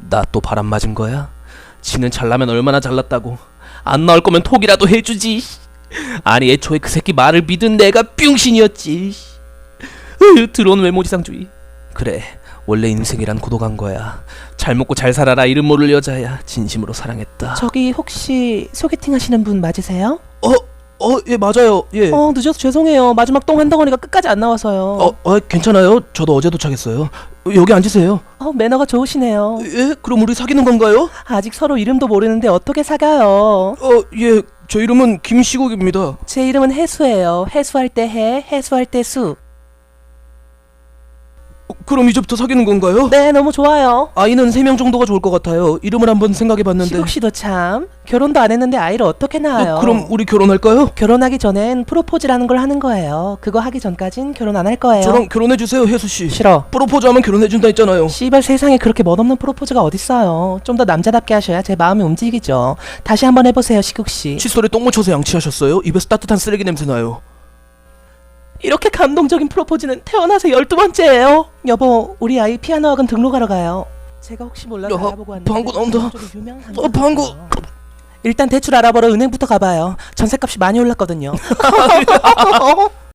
나 또 바람 맞은 거야? 지는 잘나면 얼마나 잘났다고. 안 나올 거면 톡이라도 해주지. 아니 애초에 그 새끼 말을 믿은 내가 뿅신이었지. 들어온 외모지상주의. 그래, 원래 인생이란 고독한 거야. 잘 먹고 잘 살아라 이름 모를 여자야. 진심으로 사랑했다. 저기 혹시 소개팅 하시는 분 맞으세요? 예 맞아요. 예. 늦어서 죄송해요. 마지막 똥 한 덩어리가 끝까지 안 나와서요. 괜찮아요. 저도 어제 도착했어요. 여기 앉으세요. 매너가 좋으시네요. 예? 그럼 우리 사귀는 건가요? 아직 서로 이름도 모르는데 어떻게 사귀어요? 예. 저 이름은 김시국입니다. 제 이름은 해수예요. 해수할 때 해, 해수할 때 수. 그럼 이제부터 사귀는 건가요? 네, 너무 좋아요. 아이는 3명 정도가 좋을 것 같아요. 이름을 한번 생각해봤는데. 시국 씨도 참 결혼도 안 했는데 아이를 어떻게 낳아요? 그럼 우리 결혼할까요? 결혼하기 전엔 프로포즈라는 걸 하는 거예요. 그거 하기 전까진 결혼 안 할 거예요. 저랑 결혼해주세요, 혜수씨. 싫어. 프로포즈하면 결혼해준다 했잖아요. 씨발 세상에 그렇게 멋없는 프로포즈가 어딨어요. 좀 더 남자답게 하셔야 제 마음이 움직이죠. 다시 한번 해보세요, 시국 씨. 칫솔에 똥 묻혀서 양치하셨어요? 입에서 따뜻한 쓰레기 냄새 나요. 이렇게 감동적인 프로포즈는 태어나서 12번째예요. 여보, 우리 아이 피아노 학원 등록하러 가요. 제가 혹시 몰라서 야, 알아보고 왔는데 방구 나온다. 저기 유명한 방구. 일단 대출 알아보러 은행부터 가봐요. 전셋값이 많이 올랐거든요.